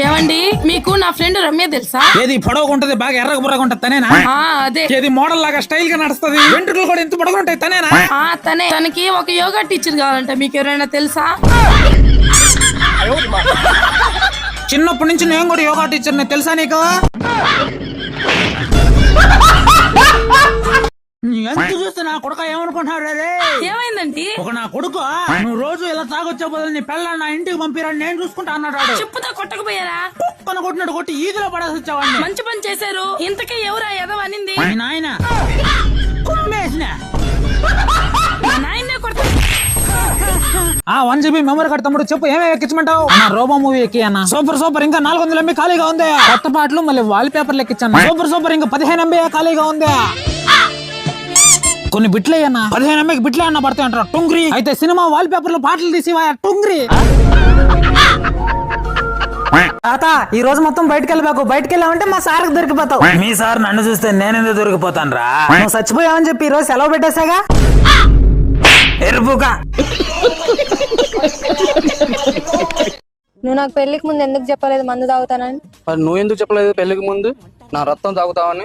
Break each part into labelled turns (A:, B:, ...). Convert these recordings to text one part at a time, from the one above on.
A: ఏమండి మీకు నా ఫ్రెండ్ రమ్య తెలుసా?
B: ఏది పొడవుగా ఉంటది, బాగా ఎర్రగా బుర్రగా ఉంటది తనేనా?
A: అదే.
B: ఏది మోడల్ లాగా స్టైల్ గా నడుస్తుంది, వెంట్రుకలు కూడా ఎంత పొడవుగా ఉంటాయి తనేనా?
A: తనే. తనకి ఒక యోగా టీచర్ కావాలంట, మీకు ఎవరైనా తెలుసా?
B: చిన్నప్పటి నుంచి నేను కూడా యోగా టీచర్ తెలుసా నీకు? ఎంత చూస్తే నా కొడుక ఏమనుకుంటున్నాడు?
A: ఏమైందండి?
B: ఒక నా కొడుకు నువ్వు రోజు ఇలా తాగొచ్చే బదులు నీ పిల్లలు నా ఇంటికి పంపిరని నేను చూసుకుంటా అన్నాడు.
A: చెప్పుతో కొట్టకపోయారా?
B: కుక్కను కొట్టినట్టు కొట్టి ఈదిలో పడేసి వచ్చావాడిని.
A: మంచి పని చేశారు. ఇంతకీ ఎవరా ఎదవ అనింది?
B: నాయన కుమ్మేసిన
A: నాయన్నే కొడతా.
B: 1 GB మెమరీ కార్డు తమ్ముడు, చెప్పు ఏమేమి ఎక్కించమంటావు? రోబో మూవీ ఎక్కి అన్న. సూపర్ ఇంకా 400 MB ఖాళీగా ఉంది. కొత్త పాటలు మళ్ళీ వాల్ పేపర్లు ఎక్కించాను. సూపర్ ఇంకా 15 MB ఖాళీగా ఉంది. కొన్ని బిట్లే అన్న, 15 MB బిట్లే అన్న పడతాయి అంటారు. టుంగ్రీ అయితే సినిమా వాల్ పేపర్ లో పాటలు తీసి టుంగ్రీ.
C: తాత ఈ రోజు మొత్తం బయటకు వెళ్ళబాకు. బయటకు వెళ్ళామంటే మా సార్ దొరికిపోతావు.
B: మీ సార్ నన్ను చూస్తే నేనెందుకు దొరికిపోతాను రా?
C: నువ్వు చచ్చిపోయావని చెప్పి ఈ రోజు సెలవు పెట్టేసాగా.
B: ఎరుపుగా
D: నువ్వు నాకు పెళ్లికి ముందు ఎందుకు చెప్పలేదు మందు తాగుతానని?
E: మరి నువ్వు ఎందుకు చెప్పలేదు పెళ్లికి ముందు నా రక్తం తాగుతావని?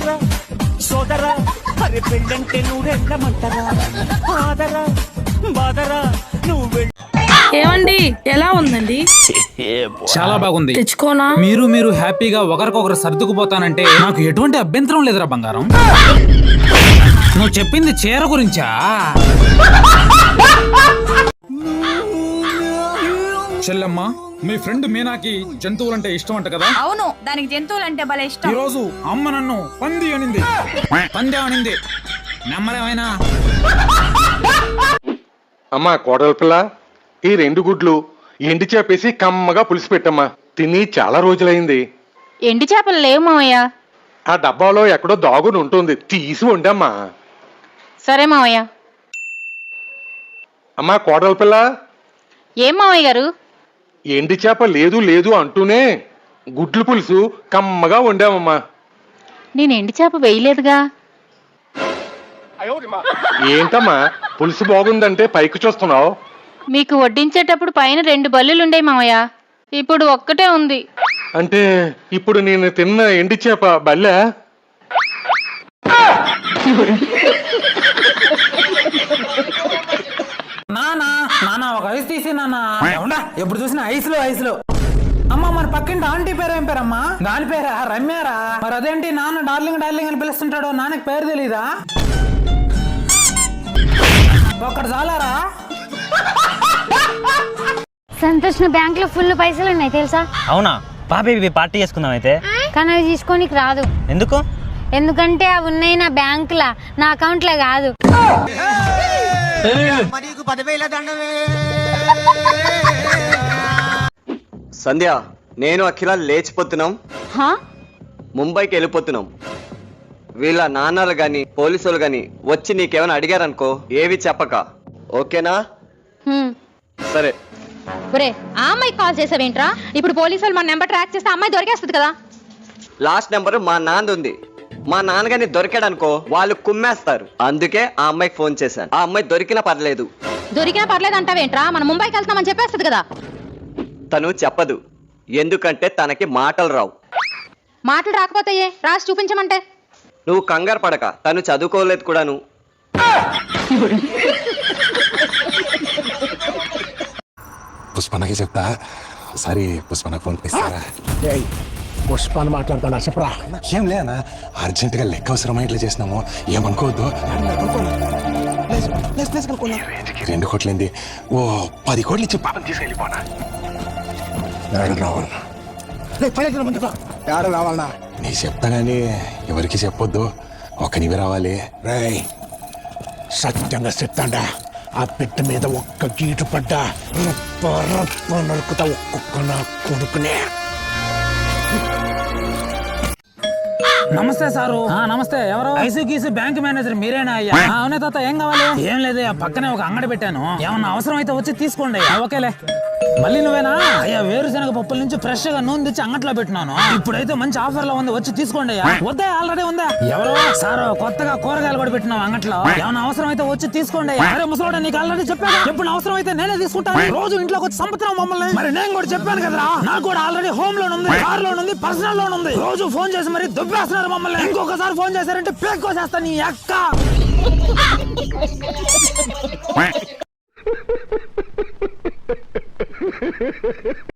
A: ఏమండి ఎలా ఉందండి?
B: చాలా బాగుంది.
A: తెచ్చుకోనా?
B: మీరు హ్యాపీగా ఒకరికొకరు సర్దుకుపోతానంటే నాకు ఎటువంటి అభ్యంతరం లేదురా బంగారం. నువ్వు చెప్పింది చీర గురించా? చెల్లమ్మ, మీ ఫ్రెండ్ మీనాకి జంతువులంటే ఇష్టం అంట కదా?
F: అవును, దానికి జంతువులంటే భలే ఇష్టం.
B: ఈ రోజు అమ్మ నన్ను పంది అనింది. నమ్మలేమైనా?
G: అమ్మా కోడల పిల్ల, ఈ 2 గుడ్లు ఎండి చేపేసి కమ్మగా పులిసి పెట్టమ్మా. తిని చాలా రోజులైంది.
F: ఎండి చేపలు లేవు మావయ్య.
G: ఆ డబ్బాలో ఎక్కడో దాగుని ఉంటుంది, తీసి వండమ్మా.
F: సరే మావయ్య.
G: అమ్మా కోడల పిల్ల,
F: ఏం మావయ్య గారు?
G: ఎండి చేప లేదు అంటూనే గుడ్లు పులుసు కమ్మగా వండామమ్మా.
F: నేను ఎండి చేప వేయలేదుగా.
G: ఏంటమ్మా పులుసు బాగుందంటే పైకి చూస్తున్నావు?
F: మీకు వడ్డించేటప్పుడు పైన 2 బల్లులుండే మావయ్య, ఇప్పుడు ఒక్కటే ఉంది.
G: అంటే ఇప్పుడు నేను తిన్న ఎండి చేప బల్లె?
C: నానా ఒక ఐస్ తీసి నానా. ఎప్పుడు చూసినా ఐస్లో. అమ్మ మన పక్కింటి ఆంటీ పేరు ఏం పేరమ్మా? దాని పేరా? రమ్యారా? మరి అదేంటి నాన్న డార్లింగ్ అని పిలుస్తుంటాడు, నాన్నకి పేరు తెలీదా? ఒక్కడు చాలారా?
H: సంతోష్ బ్యాంక్ లో ఫుల్ పైసలు ఉన్నాయి తెలుసా?
I: అవునా? పాపి పార్టీ చేసుకుందాం అయితే.
H: కానీ అవి తీసుకోనికి రాదు.
I: ఎందుకు?
H: ఎందుకంటే అవి ఉన్నాయి నా బ్యాంక్ లా, నా అకౌంట్ లా కాదు.
J: సంధ్య, నేను అఖిల లేచిపోతున్నాం. ముంబైకి వెళ్ళిపోతున్నాం. వీళ్ళ నాన్నలు గాని పోలీసులు గాని వచ్చి నీకేమైనా అడిగారనుకో ఏవి చెప్పక, ఓకేనా? సరే.
F: ఒరే, ఆ అమ్మాయి కాల్ చేసావేంట్రా? ఇప్పుడు పోలీసులు మన నెంబర్ ట్రాక్ చేస్తే అమ్మాయి దొరికేస్తుంది కదా.
J: లాస్ట్ నెంబర్ మా నాన్నది ఉంది. మా నాన్నగారిని దొరికాడనుకో వాళ్ళు కుమ్మేస్తారు. అందుకే ఆ అమ్మాయికి ఫోన్ చేశాను. ఆ అమ్మాయి దొరికినా పర్లేదు.
F: దొరికినా పర్లేదు అంటావేంట్రా? మనం ముంబైకి వెళ్తామని చెప్పేస్తుంది కదా.
J: తను చెప్పదు, ఎందుకంటే తనకి మాటలు రావు.
F: మాటలు రాకపోతే రాసి చూపించమంటే?
J: నువ్వు కంగారు పడక, తను చదువుకోలేదు కూడాను.
K: పుష్పనకి చెప్తా. ఒకసారి పుష్పనకు ఫోన్ ఇస్తారా?
L: పుష్పాన్ని మాట్లాడతాను చెప్పరా.
K: ఏం లేనా, అర్జెంటుగా లెక్క అవసరమై ఇట్లా చేసినాము, ఏమనుకోవద్దు. 2 కోట్లేంది, ఓ 10 కోట్లు ఇచ్చి పాపం తీసుకెళ్ళిపోనా.
L: రావాలనా?
K: నీ చెప్తా గానీ ఎవరికి చెప్పొద్దు, ఒక్కనివి రావాలి.
L: రేయ్, సత్యంగా చెప్తాండా, ఆ పిట్ట మీద ఒక్క గీటు పడ్డా నరుకుతా ఒక్కొక్క నా కొడుకునే.
B: నమస్తే సారు. నమస్తే. ఎవరు? ఐసీ గీసీ బ్యాంక్ మేనేజర్ మీరేనా అయ్యా? అవునే తాత, ఏం కావాలి? ఏం లేదు, పక్కనే ఒక అంగడి పెట్టాను, ఏమన్నా అవసరం అయితే వచ్చి తీసుకోండి. ఓకేలే. మళ్ళీ నువ్వేనా? అయ్యా, వేరుశనగ పప్పుల నుంచి ఫ్రెష్ గా నూనె తెచ్చి అంగట్లో పెట్టినాను, ఇప్పుడైతే మంచి ఆఫర్ లో ఉంది, వచ్చి తీసుకోండి. వద్దా, ఆల్రెడీ ఉందా? ఎవరు సారు? కొత్తగా కూరగాయలు కూడా పెట్టినావు అంగట్లో, ఏమన్నా అవసరం అయితే వచ్చి తీసుకోండి. అరే ముసలోడా, నీకు ఆల్రెడీ చెప్పాను, ఎప్పుడు అవసరం అయితే నేనే తీసుకుంటాను. రోజు ఇంట్లోకి వచ్చి సంపత్రం మమ్మల్ని. మరి నేను కూడా చెప్పాను కదరా, నాకు కూడా ఆల్రెడీ హోమ్ లోన్ ఉంది, కార్ లోన్ ఉంది, పర్సనల్ లోన్ ఉంది. రోజు ఫోన్ చేసి మరి దుబ్బేస్తున్నారు మమ్మల్ని. ఇంకొకసారి ఫోన్ చేశారంటే పేక్కోసేస్తా నీ అక్క.